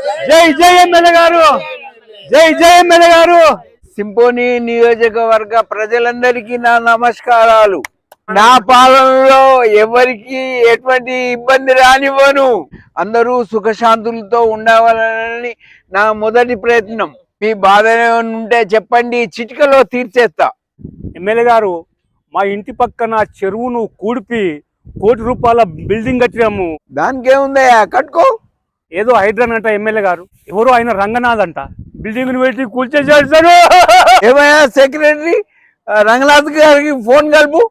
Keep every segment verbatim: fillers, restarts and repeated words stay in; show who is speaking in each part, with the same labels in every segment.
Speaker 1: జై జై ఎమ్మెల్యే గారు, జై జై ఎమ్మెల్యే గారు. సింపోని నియోజకవర్గ ప్రజలందరికీ నా నమస్కారాలు. నా పాలనలో ఎవరికి ఎటువంటి ఇబ్బంది రానివ్వను. అందరూ సుఖశాంతులతో ఉండవాలని నా మొదటి ప్రయత్నం. మీ బాధ ఉంటే చెప్పండి, చిటికలో తీర్చేస్తా.
Speaker 2: ఎమ్మెల్యే గారు, మా ఇంటి పక్కన చెరువును కూడిపి కోటి రూపాయల బిల్డింగ్ కట్టినాము.
Speaker 1: దానికి ఏముందయ్యా, కట్టుకో.
Speaker 2: ఏదో హైడ్రాన్ అంట ఎమ్మెల్యే గారు, ఎవరో ఆయన రంగనాథ్ అంట, బిల్డింగ్ పెట్టి కూల్చేసాడు.
Speaker 1: ఏమయ్యా సెక్రటరీ, రంగనాథ్ గారికి ఫోన్ కలుపు.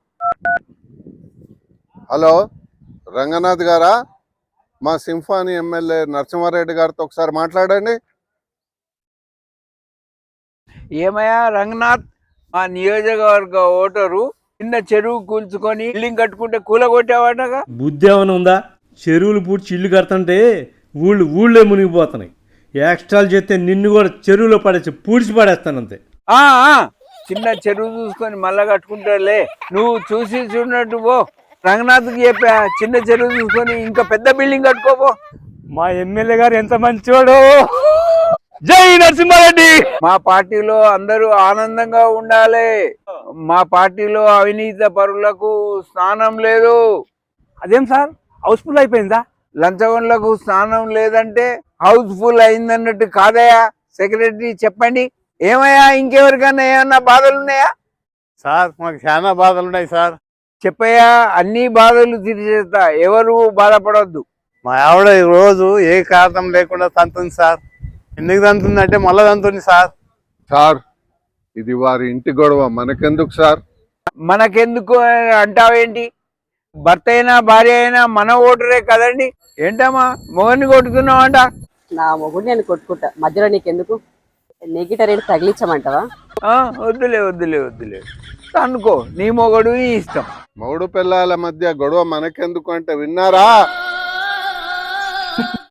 Speaker 3: హలో, రంగనాథ్ గారా? మా సింఫానీ ఎమ్మెల్యే నరసింహారెడ్డి గారితో ఒకసారి మాట్లాడండి.
Speaker 1: ఏమయ్యా రంగనాథ్, మా నియోజకవర్గ ఓటరు చిన్న చెరువు కూల్చుకొని బిల్డింగ్ కట్టుకుంటే కూలగొట్టేవాడగా.
Speaker 4: బుద్ధి ఏమైనా ఉందా? చెరువులు పూడ్చి ఇల్లు కడతంటే ఊళ్ళు ఊళ్ళే మునిగిపోతున్నాయి. ఎక్స్ట్రాలు చేస్తే నిన్ను కూడా చెరువులో పడేసి పూడ్చి పడేస్తాను అంతే.
Speaker 1: ఆ చిన్న చెరువు చూసుకొని మళ్ళా కట్టుకుంటారులే. నువ్వు చూసి చూడనట్టు పో. రంగనాథ్కి చెప్పా, చిన్న చెరువు చూసుకొని ఇంకా పెద్ద బిల్డింగ్ కట్టుకోపో.
Speaker 2: మా ఎమ్మెల్యే గారు ఎంత మంచివాడు. జై నరసింహారెడ్డి.
Speaker 1: మా పార్టీలో అందరూ ఆనందంగా ఉండాలి. మా పార్టీలో అవినీతి పరులకు స్థానం లేదు.
Speaker 2: అదేం సార్, హౌస్ఫుల్ అయిపోయిందా?
Speaker 1: లంచగొండలకు స్థానం లేదంటే హౌస్ఫుల్ అయిందన్నట్టు కాదయా. సెక్రటరీ చెప్పండి, ఏమయ్యా ఇంకెవరికైనా ఏమన్నా బాధలు ఉన్నాయా?
Speaker 5: సార్, మాకు చాలా బాధలు ఉన్నాయి సార్.
Speaker 1: చెప్పయ్యా, అన్ని బాధలు తీర్చేస్తా, ఎవరు బాధపడొద్దు.
Speaker 5: మా ఆవిడ ఈ రోజు ఏ కారణం లేకుండా తంతుంది సార్. ఎందుకు తంతుందంటే మళ్ళా తంతుంది సార్.
Speaker 3: సార్, ఇది వారి ఇంటి గొడవ, మనకెందుకు సార్?
Speaker 1: మనకెందుకు అంటావేంటి? భర్త అయినా భార్య అయినా మన ఓటరే కదండి. ఏంటమ్మా మొగన్ని కొట్టుతున్నావంట?
Speaker 6: నా మొగుడు నేను కొట్టుకుంటా, మధ్యలో నీకెందుకు? నెగిటర్ రేటు తగిలించమంటావా?
Speaker 1: వద్దులే వద్దులే వద్దులే అనుకో, నీ మొగడు నీ ఇష్టం.
Speaker 3: మౌడు పిల్లల మధ్య గొడవ మనకెందుకు అంటే విన్నారా?